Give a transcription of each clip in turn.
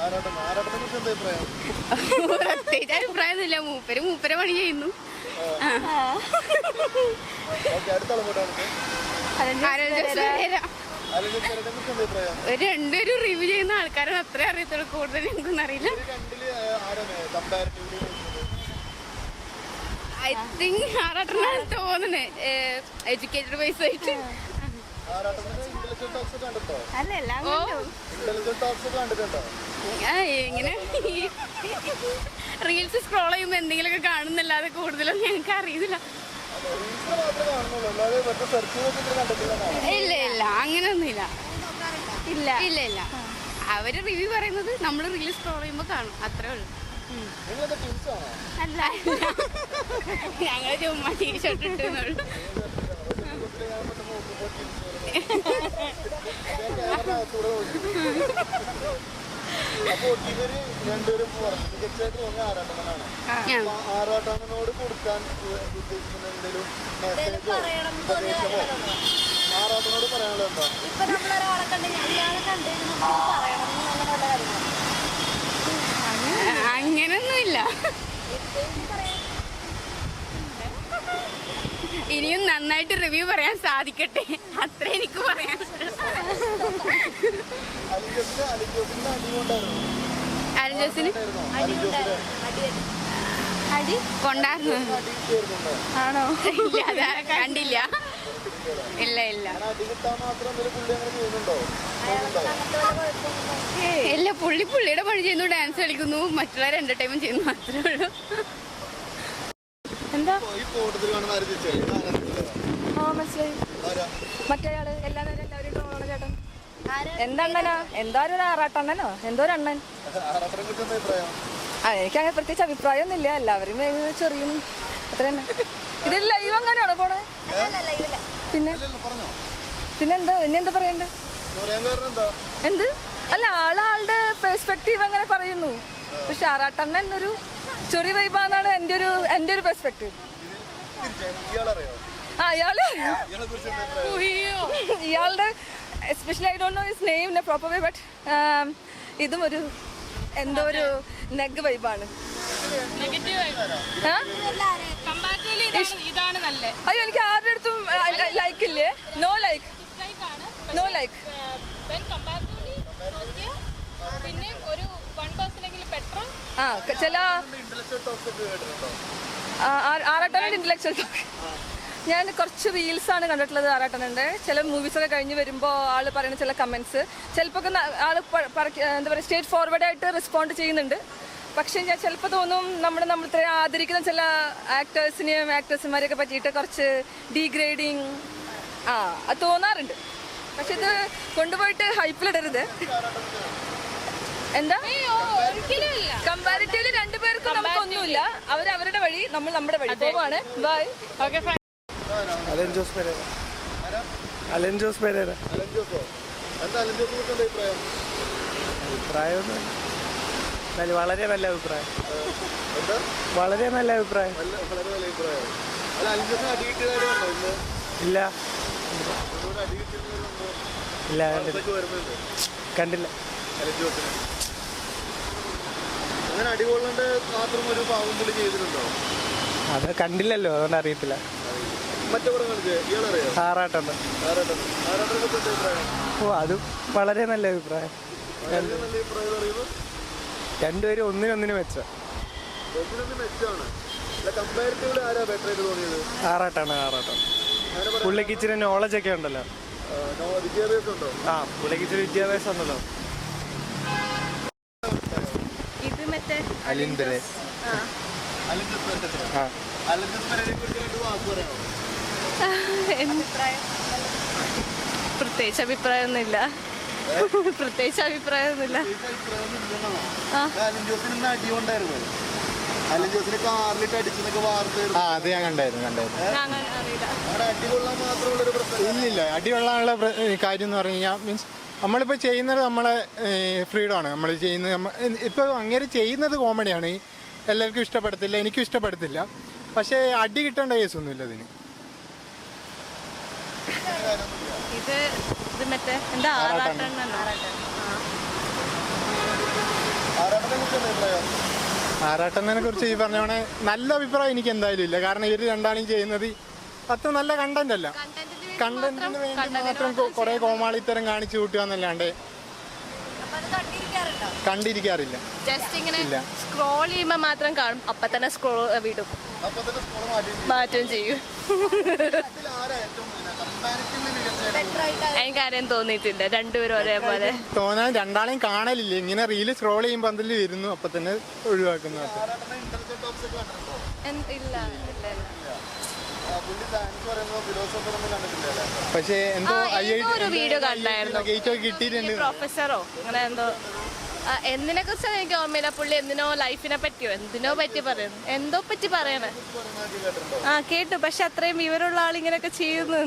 പ്രത്യേകിച്ച് അഭിപ്രായമൊന്നുമില്ല. മൂപ്പരെ പണി ചെയ്യുന്നു. രണ്ടുപേരും റിവ്യൂ ചെയ്യുന്ന ആൾക്കാരാണ്. അത്ര അറിയത്തുള്ളൂ, കൂടുതൽ എനിക്കൊന്നും അറിയില്ല. ഐ തിങ്ക് ആറാട്ടനാണ് തോന്നുന്നത്, എഡ്യൂക്കേറ്റഡ് വൈസ് ആയിട്ട്. ഇങ്ങനെ റീൽസ് സ്ക്രോൾ ചെയ്യുമ്പോ എന്തെങ്കിലുമൊക്കെ കാണുന്നല്ലാതെ കൂടുതലൊന്നും ഞങ്ങൾക്ക് അറിയില്ല. ഇല്ല ഇല്ല, അങ്ങനെയൊന്നും ഇല്ല. ഇല്ല ഇല്ല ഇല്ല, അവര് റിവ്യൂ പറയുന്നത് നമ്മൾ റീൽസ് സ്ക്രോൾ ചെയ്യുമ്പോ കാണും, അത്രേ ഉള്ളൂ. അല്ല, ഞങ്ങൾ ചുമ്മാ ടീഷർട്ട് ഇട്ടുന്നുള്ളൂ. അപ്പൊ ഇവര് രണ്ടുപേരും മികച്ചതായിട്ട് തോന്നിയ ആറാട്ടനാണ്. ആറാട്ടനോട് കൊടുക്കാൻ ഉദ്ദേശിക്കുന്ന എന്തെങ്കിലും മെസ്സേജോ ഉപദേശമോ ആറാട്ടനോട് പറയാനുള്ളത് എന്താ? അങ്ങനൊന്നുമില്ല. ഇനിയും നന്നായിട്ട് റിവ്യൂ പറയാൻ സാധിക്കട്ടെ, അത്രേ എനിക്ക് പറയാൻ. അലിജോസിന് അടി കൊണ്ടായിരുന്നു ആണോ? ഇല്ല, അതാ കണ്ടില്ല. ഇല്ല ഇല്ല ഇല്ല, പുള്ളിയുടെ പണി ചെയ്യുന്നു, ഡാൻസ് കളിക്കുന്നു, മറ്റുള്ളവരെ എന്റർടൈൻമെന്റ് ചെയ്യുന്നു, അത്രേ ഉള്ളൂ. എന്താ മറ്റേയാള് എല്ലാവരും ചേട്ടൻ എന്തണ്ണനോ എന്തോ ഒരു ആറാട്ടണ്ണനോ എന്തോ ഒരു അണ്ണൻ. എനിക്ക് അങ്ങനെ പ്രത്യേകിച്ച് അഭിപ്രായം ഒന്നുമില്ല, എല്ലാവരും ചെറിയും അത്ര തന്നെ. ഇത് ലൈവ് അങ്ങനെയാണോ പോണേ? പിന്നെന്താ ഇനിയെന്താ പറയണ്ടേ? എന്ത് അല്ല, ആളുടെ പെർസ്പെക്റ്റീവ് അങ്ങനെ പറയുന്നു. പക്ഷെ ആറാട്ടണ്ണൻ ഒരു ചെറിയ വൈബാന്നാണ് എൻ്റെ ഒരു പെർസ്പെക്റ്റീവ്. ഇയാളുടെ especially I don't know his name in a proper way, but ഇതും ഒരു എന്തോ ഒരു നെഗ് വൈബാണ്. അയ്യോ, എനിക്ക് ആരുടെ അടുത്തും ലൈക്ക് ഇല്ലേ? No like. ചില ആറാട്ടൻ്റെ ഇന്റലക്ച്വൽ ടോക്ക് ഞാൻ കുറച്ച് റീൽസാണ് കണ്ടിട്ടുള്ളത്. ആറാട്ടനുണ്ട് ചില മൂവീസൊക്കെ കഴിഞ്ഞ് വരുമ്പോൾ ആള് പറയുന്ന ചില കമൻസ് ചിലപ്പോൾ ആള് എന്താ പറയുക സ്റ്റേറ്റ് ഫോർവേഡായിട്ട് റെസ്പോണ്ട് ചെയ്യുന്നുണ്ട്. പക്ഷെ ഞാൻ ചിലപ്പോൾ തോന്നും നമ്മൾ ആദരിക്കുന്ന ചില ആക്ടേഴ്സിനെയും ആക്ട്രസ്മാരെയൊക്കെ പറ്റിയിട്ട് കുറച്ച് ഡീഗ്രേഡിങ് അത് തോന്നാറുണ്ട്. പക്ഷെ ഇത് കൊണ്ടുപോയിട്ട് ഹൈപ്പിലിടരുത്. എന്താ കമ്പാരിറ്റീവ്ലി രണ്ടുപേർക്കും നമുക്കൊന്നുമില്ല. അവരവരുടെ വഴി, നമ്മൾ നമ്മുടെ വഴി പോവാണ്. ബൈ. ഓക്കെ. വളരെ നല്ല അഭിപ്രായം. വളരെ നല്ല അഭിപ്രായം. ഇല്ല ഇല്ല, കണ്ടില്ല. അത് കണ്ടില്ലല്ലോ, അതുകൊണ്ട് അറിയത്തില്ല. ആറാട്ടുണ്ട്. ഓ, അത് വളരെ നല്ല അഭിപ്രായം. രണ്ടുപേരും ഒന്നിനൊന്നിന് മെച്ച. ആറാട്ടാണ്. പുള്ളിക്ക് ഇച്ചിരി നോളജ് ഒക്കെ ഉണ്ടല്ലോ. പുള്ളിക്ക് ഇച്ചിരി വിദ്യാഭ്യാസം ഉണ്ടല്ലോ. പ്രത്യേകിച്ച് അഭിപ്രായമൊന്നുമില്ല. അത് ഞാൻ കണ്ടായിരുന്നു. ഇല്ലില്ല, അടികൊള്ളാനുള്ള കാര്യം എന്ന് പറഞ്ഞു കഴിഞ്ഞാൽ മീൻസ് നമ്മളിപ്പോൾ ചെയ്യുന്നത് നമ്മളെ ഫ്രീഡമാണ്. നമ്മൾ ചെയ്യുന്നത് ഇപ്പോൾ അങ്ങനെ ചെയ്യുന്നത് കോമഡിയാണ്. എല്ലാവർക്കും ഇഷ്ടപ്പെടത്തില്ല, എനിക്കും ഇഷ്ടപ്പെടത്തില്ല. പക്ഷേ അടി കിട്ടേണ്ട കേസൊന്നുമില്ല ഇതിന്. ഇത് മറ്റേ എന്താ ആറാട്ടണ്ണനെ കുറിച്ച് ഈ പറഞ്ഞോണെ നല്ല അഭിപ്രായം എനിക്ക് എന്തായാലും ഇല്ല. കാരണം ഇവർ രണ്ടാളും ചെയ്യുന്നത് അത്ര നല്ല കണ്ടന്റ് അല്ല. കണ്ടന്റിന് വേണ്ടി മാത്രം കുറെ കോമാളിത്തരം കാണിച്ചു കൂട്ടുക എന്നല്ലാണ്ട് കണ്ടിരിക്കാറില്ല. ജസ്റ്റ് ഇങ്ങനെ സ്ക്രോൾ ചെയ്യുമ്പോൾ മാത്രം കാണും, അപ്പൊ തന്നെ സ്ക്രോൾ വിടും, മാറ്റം ചെയ്യും. എനിക്കാരെയും തോന്നിയിട്ടില്ല, രണ്ടുപേരും ഒരേപോലെ തോന്നാൻ. രണ്ടാളെയും കാണലില്ല, ഇങ്ങനെ റീല് സ്ക്രോൾ ചെയ്യുമ്പോൾ അതിൽ വരുന്നു, അപ്പൊ തന്നെ ഒഴിവാക്കുന്നു. പക്ഷേ എന്തോ വീഡിയോ കണ്ടായിരുന്നു, കിട്ടിയിട്ടുണ്ട്. പ്രൊഫസറോ അങ്ങനെ എന്തോ. എന്തിനെ കുറിച്ചാണ് എനിക്ക് ഓർമ്മയില്ല. പുള്ളി എന്തിനോ ലൈഫിനെ പറ്റിയോ എന്തിനോ പറ്റി പറയുന്നു, എന്തോ പറ്റി പറയണേ. കേട്ടു, പക്ഷെ അത്രയും വിവരമുള്ള ആളിങ്ങനെയൊക്കെ ചെയ്യുന്നു.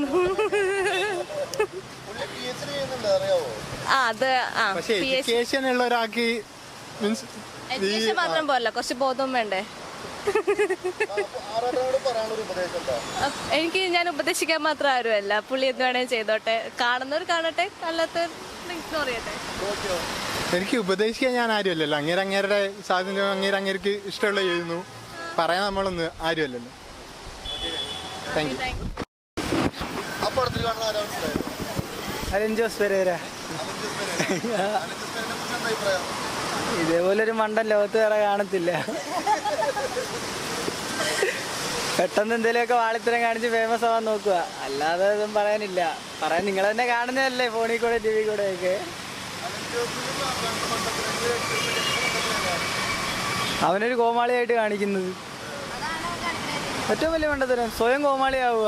എഡ്യൂക്കേഷൻ ഉള്ള ഒരാൾക്ക് മീൻസ് എഡ്യൂക്കേഷൻ മാത്രം പോരല്ല, കുറച്ച് ബോധം വേണ്ടേ. എനിക്ക് ഞാൻ ഉപദേശിക്കാൻ മാത്രം ആരുമല്ല. പുള്ളി എന്ത് വേണേലും ചെയ്തോട്ടെ, കാണുന്നവർ കാണട്ടെ, അല്ലാത്തവർ ഇഗ്നോർ ചെയ്യട്ടെ. എനിക്ക് ഉപദേശിക്കാൻ ഞാൻ ആരുമല്ലല്ലോ. അങ്ങേരുടെ സ്വാതന്ത്ര്യം അങ്ങേർക്ക് ഇഷ്ടമുള്ള ചെയ്യുന്നു, പറയാൻ നമ്മളൊന്നും ആരുമല്ലല്ലോ. Thank you. അലൻ ജോസ് പെരേര. ഇതേപോലൊരു മണ്ടൻ ലോകത്ത് വേറെ കാണത്തില്ല. പെട്ടെന്ന് എന്തെങ്കിലുമൊക്കെ വാളിത്തരം കാണിച്ച് ഫേമസ് ആവാൻ നോക്കുക, അല്ലാതെ ഒന്നും പറയാനില്ല. പറയാൻ നിങ്ങൾ തന്നെ കാണുന്നതല്ലേ ഫോണിൽ കൂടെ ടി വി കൂടെ ഒക്കെ. അവനൊരു കോമാളിയായിട്ട് കാണിക്കുന്നത് ഏറ്റവും വലിയ മണ്ടത്തരം. സ്വയം കോമാളിയാവുക.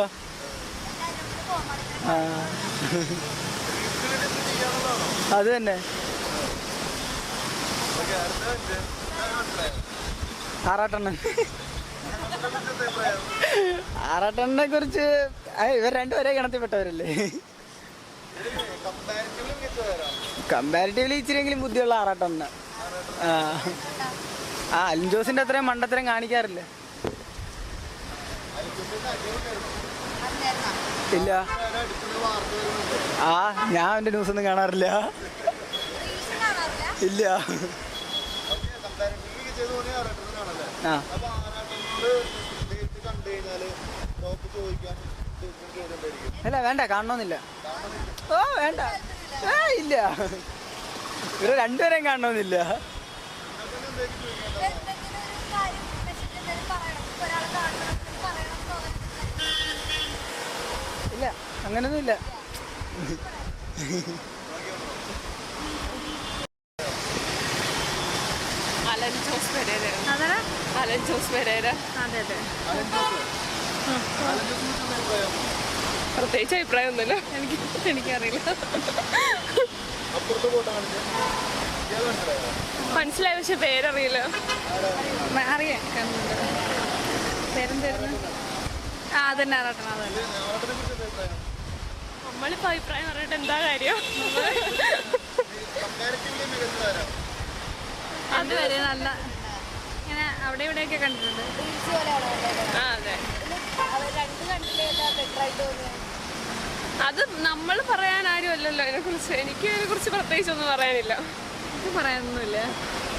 അത് തന്നെ. ആറാട്ടണ്ണൻ. ആറാട്ടണ്ണനെ കുറിച്ച് ഇവർ രണ്ടുപേരെ ഗണത്തിൽപ്പെട്ടവരല്ലേ. കമ്പാരിറ്റീവ്ലി ഇച്ചിരിയെങ്കിലും ബുദ്ധിയുള്ള ആറാട്ടണ്ണ. അലിൻ ജോസിന്റെ അത്രയും മണ്ടത്തരം കാണിക്കാറില്ല. ഇല്ല, ഞാൻ അവന്റെ ന്യൂസ് ഒന്നും കാണാറില്ല. ഇല്ല. അല്ല, വേണ്ട, കാണണമെന്നില്ല. ഓ വേണ്ട, ഇല്ല, ഇവരെ രണ്ടുപേരെയും കാണണമെന്നില്ല. ഇല്ല, അങ്ങനൊന്നും ഇല്ല. അലൻ ജോസ് പെരേര. അലൻ ജോസ് പെരേര. അതെ അതെ. പ്രത്യേകിച്ച് അഭിപ്രായമൊന്നുമില്ല, എനിക്കറിയില്ല. മനസ്സിലായി, പക്ഷെ പേരറിയില്ല. അറിയാം, പേരെന്തായിരുന്നു? അതന്നെ ആറാട്ടണം. അതന്നെ. നമ്മളിപ്പോ അഭിപ്രായം പറഞ്ഞിട്ട് എന്താ കാര്യം? അതുവരെ നല്ല ഇങ്ങനെ അവിടെ ഇവിടെയൊക്കെ കണ്ടിട്ടുണ്ട്. അതെ, അത് നമ്മൾ പറയാൻ ആരും അല്ലല്ലോ അതിനെ കുറിച്ച്. എനിക്ക് അതിനെ കുറിച്ച് പ്രത്യേകിച്ച് ഒന്നും പറയാനില്ല. പറയാനൊന്നുമില്ല.